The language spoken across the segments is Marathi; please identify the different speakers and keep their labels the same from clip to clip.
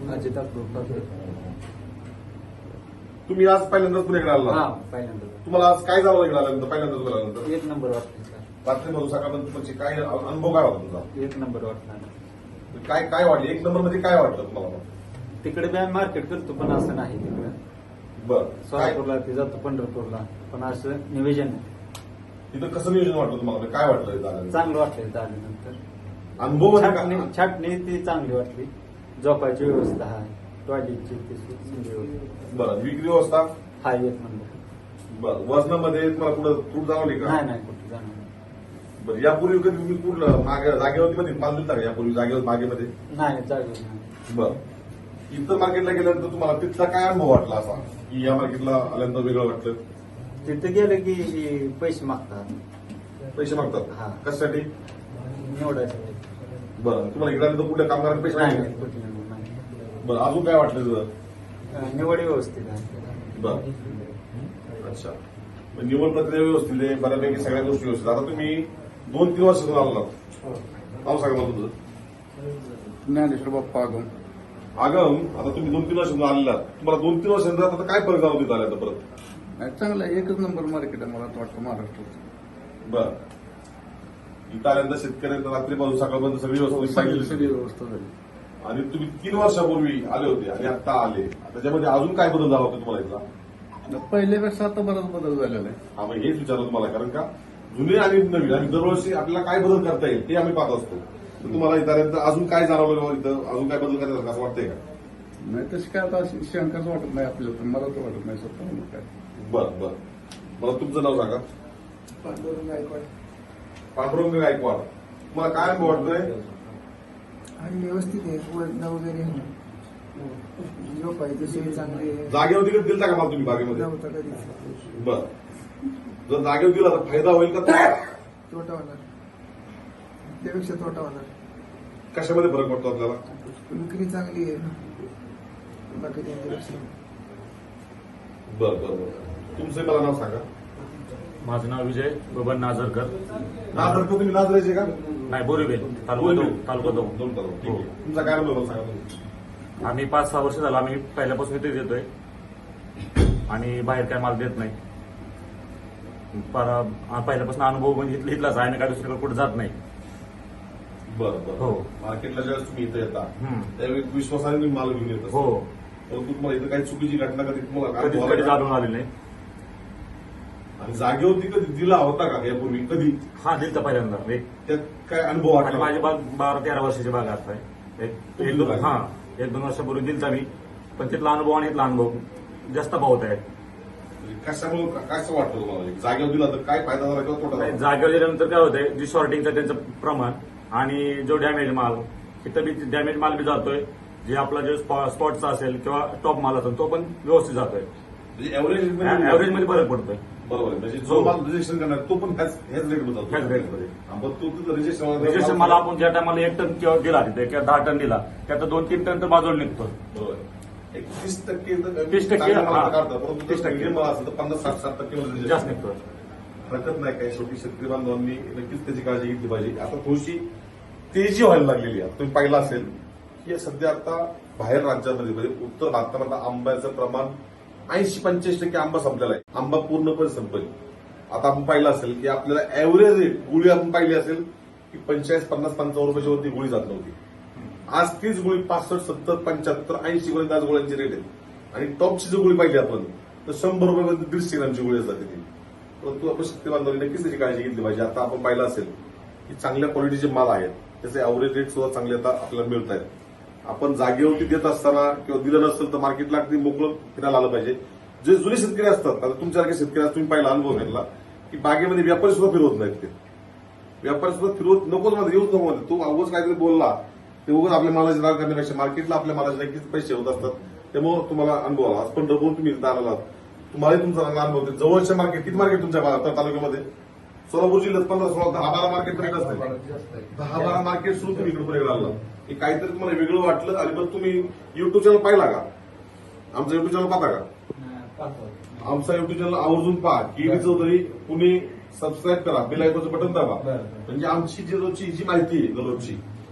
Speaker 1: अजित अप्रूव्ह.
Speaker 2: तुम्ही आज पहिल्यांदाच पुण्याकडे आला?
Speaker 1: हा, पहिल्यांदा.
Speaker 2: तुम्हाला आज काय झालं इकडे आल्यानंतर, पहिल्यांदाच पुण्याला आल्यानंतर?
Speaker 1: एक नंबर वाटलं सर.
Speaker 2: रात्रीपासून सकाळपर्यंत तुमची काय अनुभव काय होता तुमचा?
Speaker 1: एक नंबर वाटला.
Speaker 2: काय काय वाटलं, एक नंबर मध्ये काय वाटलं तुम्हाला?
Speaker 1: तिकडे बी आम्ही मार्केट करतो पण असं नाही तिकडे.
Speaker 2: बरं, काय
Speaker 1: सोलापूरला ते जातो, पंढरपूरला पण असं नियोजन नाही.
Speaker 2: इथं कसं नियोजन वाटलं तुम्हाला, काय वाटलं इथं आल्यानंतर?
Speaker 1: चांगलं वाटलं इथं आल्यानंतर.
Speaker 2: अनुभव मध्ये
Speaker 1: छाटणी
Speaker 2: काय?
Speaker 1: छाटणी ती चांगली वाटली. झोपायची व्यवस्था आहे, टॉयलेटची ती चांगली व्यवस्था.
Speaker 2: बरं, विक्री व्यवस्था?
Speaker 1: हा, एक नंबर.
Speaker 2: बरं, वजनामध्ये तुम्हाला कुठं तूट जाणवली का?
Speaker 1: नाही कुठे जाणार नाही.
Speaker 2: बरं, यापूर्वी कधी तुम्ही कुठलं जागेवरती मध्ये माल दिलता का यापूर्वी जागेवर बागेमध्ये?
Speaker 1: नाही जागेवर नाही.
Speaker 2: बरं, इथं मार्केटला गेल्यानंतर तुम्हाला तिथला काय अनुभव वाटला असा की या मार्केटला आल्यानंतर वेगळं वाटलं?
Speaker 1: तिथे गेलं की पैसे मागतात.
Speaker 2: पैसे
Speaker 1: हा.
Speaker 2: मागतात कशासाठी?
Speaker 1: निवडायचं
Speaker 2: बरं, तुम्हाला इकडे आल्यानंतर कुठल्या कामगारांना पैसे
Speaker 1: नाही,
Speaker 2: नाही?
Speaker 1: कुठे नाही.
Speaker 2: बरं, अजून काय वाटलं तुझं?
Speaker 1: निवड व्यवस्थित आहे.
Speaker 2: बरं, अच्छा. मग निवड प्रक्रिया व्यवस्थित आहे, बऱ्यापैकी सगळ्या गोष्टी व्यवस्थित. आता तुम्ही 2-3 वर्षातून आलात, नाव सांगा मला तुझं.
Speaker 3: ज्ञानेश्वर बाप्पा आगम.
Speaker 2: आगम, आता तुम्ही 2-3 वर्षातून आलेला, तुम्हाला 2-3 वर्षांचा आता काय फरक जाणून तिथं आल्यानंतर परत?
Speaker 3: नाही, चांगलं आहे. एकच नंबर मार्केट आहे मला तर वाटतं महाराष्ट्राचं.
Speaker 2: बरं, इथं आल्यानंतर शेतकऱ्यांना रात्रीपासून सकाळपर्यंत सगळी व्यवस्था
Speaker 3: सगळी
Speaker 2: सांगितली
Speaker 3: व्यवस्था झाली.
Speaker 2: आणि तुम्ही 3 वर्षापूर्वी आले होते आणि आता आले, त्याच्यामध्ये अजून काय बदल झाला होता तुम्हाला इथला?
Speaker 3: पहिल्यापेक्षा आता बराच बदल झालेला आहे.
Speaker 2: हा, मग हेच विचारलं तुम्हाला, कारण का जुने आणि नवीन आणि दरवर्षी आपल्याला काय बदल करता येईल ते आम्ही पाहत असतो. तर तुम्हाला इथं आल्यानंतर अजून काय जाणवलं, इथं अजून काय बदल करायचं असं वाटतंय का?
Speaker 3: नाही तशी काय आता शंकाच वाटत नाही आपल्याला, तर मला तर वाटत नाही स्वतः काय.
Speaker 2: बरं बरं, मला तुमचं नाव सांगा.
Speaker 4: पांडुरंग गायकवाड.
Speaker 2: पांडुरंग गायकवाड. तुम्हाला काय अनुभव वाटतोय?
Speaker 4: आणि व्यवस्थित आहे, वजन वगैरे झोपायची सोय चांगली आहे.
Speaker 2: जागेवर तिकडे दिलता का मला तुम्ही बागेमध्ये?
Speaker 4: नव्हता कधीच.
Speaker 2: बरं, जर जागेवर दिला तर फायदा होईल का?
Speaker 4: तोटा होणार, त्यापेक्षा तोटा होणार.
Speaker 2: कशामध्ये फरक पडतो आपल्याला?
Speaker 4: विक्री चांगली आहे बाकी त्यांच्यापेक्षा.
Speaker 2: बरं बरं बरं, तुमचं मला नाव सांगा.
Speaker 5: माझं नाव विजय बबन नाझरकर.
Speaker 2: नाझरकर तुम्ही नाझरायचे का?
Speaker 5: नाही, बोरीबेल, तालुका दौंड.
Speaker 2: दोन तालुका, ठीक आहे. तुमचा काय अनुभव मला सांगा तुम्ही.
Speaker 5: आम्ही 5-6 वर्ष झालं आम्ही पहिल्यापासून इथे देतोय आणि बाहेर काय माल देत नाही. पहिल्यापासून अनुभव म्हणजे इथलाच आहे, आम्ही काय दुसरीकडे कुठे जात नाही.
Speaker 2: बरं बरं,
Speaker 5: हो.
Speaker 2: मार्केटला ज्यावेळेस तुम्ही इथं येता
Speaker 5: हम्म.
Speaker 2: त्यावेळी विश्वासाने तुम्ही माल घेऊन येत
Speaker 5: हो,
Speaker 2: परंतु तुम्हाला इथं काही चुकीची घटना कधी तुम्हाला
Speaker 5: कधी
Speaker 2: अनुभव आला का?
Speaker 5: जाणून आले नाही.
Speaker 2: आणि जागेवरती कधी दिला होता का यापूर्वी कधी?
Speaker 5: हा, दिलता पहिल्यांदा.
Speaker 2: त्यात काय अनुभव
Speaker 5: आणि
Speaker 2: वाटला?
Speaker 5: माझी बाग 12-13 वर्षाची बाग आता आहे. एक दोन वर्षापूर्वी दिलता मी, पण तिथला अनुभव आणि इथला अनुभव जास्त पावत आहे.
Speaker 2: कशामुळे कसं वाटतं तुम्हाला? जागेवर दिला तर काय फायदा झाला किंवा तोटा झाला?
Speaker 5: जागेवर गेल्यानंतर काय होतंय, जी शॉर्टिंगचं त्यांचं प्रमाण आणि जो डॅमेज माल, तिथं बी डॅमेज माल बी जातोय. जे आपला जो स्पॉटचा असेल किंवा टॉप माल असेल तो पण व्यवस्थित जातोय.
Speaker 2: म्हणजे ऍव्हरेज
Speaker 5: ऍव्हरेजमध्ये फरक पडतोय.
Speaker 2: बरोबर आहे. म्हणजे जो माल रजिस्ट्रेशन करणार तो पण ह्याच रेटमध्ये जातो.
Speaker 5: ह्याच रेटमध्ये.
Speaker 2: पण तो तुझं
Speaker 5: रजिस्ट्रेशन
Speaker 2: रजिस्ट्रेशन
Speaker 5: मला आपण ज्या टायमाला 1 टन किंवा दिला तिथे किंवा 10 टन दिला, त्यात 2-3 टन तर बाजूला निघतो.
Speaker 2: बरोबर आहे. एक 30%
Speaker 5: 30% हा.
Speaker 2: काढतात, परंतु
Speaker 5: 30%
Speaker 2: medium माल असेल तर 50-60%
Speaker 5: जास्त निघतो.
Speaker 2: हरकत नाही काय. शेवटी शेतकरी बांधवांनी नक्कीच त्याची काळजी घेतली पाहिजे. आता थोडीशी तेजी व्हायला लागलेली आहे. तुम्ही पाहिलं असेल की सध्या आता बाहेर राज्यांमध्ये म्हणजे उत्तर भारतामध्ये आंब्याचं प्रमाण 80-85% आंबा संपलेला आहे. आंबा पूर्णपणे संपले. आता आपण पाहिलं असेल की आपल्याला ऍव्हरेज रेट गुळी आपण पाहिली असेल की 45, 50, 55 रुपयाच्या वरती गुळी जात नव्हती. आज तीच गुळी 65, 70, 75, 80 पर्यंत आज गोळ्यांची रेट आहे. आणि टॉपची जर गुळी पाहिली आपण तर 100 रुपयापर्यंत 150 ग्रामची गुळी जाते ती. परंतु आपण शेतकरी बांधवांनी नक्कीच त्याची काळजी घेतली पाहिजे. आता आपण पाहिलं असेल की चांगल्या क्वालिटीचे माल आहेत, त्याचे ऍव्हरेज रेट सुद्धा चांगले आता आपल्याला मिळत आहेत. आपण जागेवरती देत असताना किंवा दिलं नसेल तर मार्केटला अगदी मोकळं फिरायला आलं पाहिजे. जे जुने शेतकरी असतात, आता तुमच्यासारखे शेतकरी तुम्ही पहिला अनुभव घेतला की बागेमध्ये व्यापारी सुद्धा फिरवत नाहीत. ते व्यापारी सुद्धा फिरवत नकोच मध्ये येऊच नको मध्ये. तो अवघड काहीतरी बोलला ते उगाच आपल्या मालाची राग करण्यापेक्षा मार्केटला आपल्या मालाचे नक्कीच पैसे होत असतात. त्यामुळे तुम्हाला अनुभव आला. आज पंढरपूर तुम्ही इथं आला, तुम्हाला तुमचा चांगला अनुभव होते. जवळच्या मार्केट किती मार्केट तुमच्या तालुक्यामध्ये? सोलापूर जिल्ह्यात 15-16, 10-12 मार्केट पर्यंत असते. 10-12 मार्केट सुरू तुम्ही इकडे पुढे आला की काहीतरी तुम्हाला वेगळं वाटलं. आणि मग तुम्ही युट्यूब चॅनल पाहिला का? आमचा युट्यूब चॅनल पाहता का? आमचा युट्यूब चॅनल आवर्जून पहा. केडी चौधरी पुणे सबस्क्राईब करा, बेल आयकॉनचं बटन दाबा. म्हणजे आमची जी रोजची जी माहिती आहे दररोजची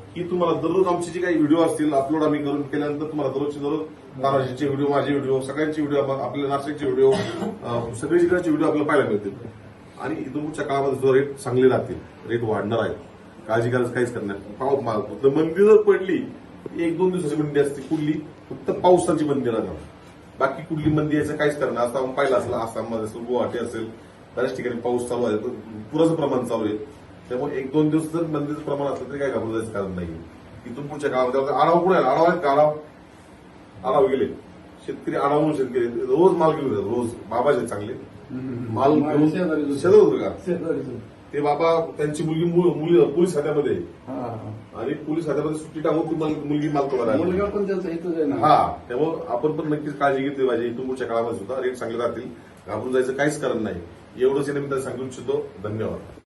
Speaker 2: की तुम्हाला दररोज आमचे जे काही व्हिडिओ असतील अपलोड आम्ही करून केल्यानंतर तुम्हाला दररोज तानाजीचे व्हिडिओ, माझे व्हिडिओ, सगळ्यांचे व्हिडिओ, आपल्या नाशिकचे व्हिडिओ, सगळीकडचे व्हिडिओ आपल्याला पाहायला मिळतील. आणि इथून पुढच्या काळामध्ये सुद्धा रेट चांगले राहतील, रेट वाढणार आहे, काळजी करायचं काहीच करणार. मंदी जर पडली 1-2 दिवसाची मंदी असते, कुठली फक्त पावसाची मंदी राहणार, बाकी कुठली मंदी यायचं काहीच करणार. आता आपण पाहिलं असेल आसाममध्ये असेल, गुवाहाटी असेल, बऱ्याच ठिकाणी पाऊस चालू आहे, पुराचं प्रमाण चालू आहे. त्यामुळे 1-2 दिवस जर मंदीचं प्रमाण असलं तरी काही घाबरून जायचं कारण नाही. इथून पुढच्या काळामध्ये आढावा कुठे आढावा आहेत का? आढावा गेले शेतकरी, आढावून शेतकरी रोज माल घेऊन येतात, रोज बाबाचे चांगले माल घेऊन शेतात ते बाबा त्यांची मुलगी पोलीस खात्यामध्ये आणि पोलीस खात्यामध्ये सुट्टी टाकून ती मुलगी माल करायला.
Speaker 3: मुलगा पण त्यांचा इथंच आहे ना.
Speaker 2: हा, त्यामुळे आपण पण नक्कीच काळजी घेतली पाहिजे. इथून पुढच्या काळामध्ये सुद्धा रेट चांगले राहतील, घाबरून जायचं काहीच कारण नाही. एवढंच या निमित्ताने सांगू इच्छितो. धन्यवाद.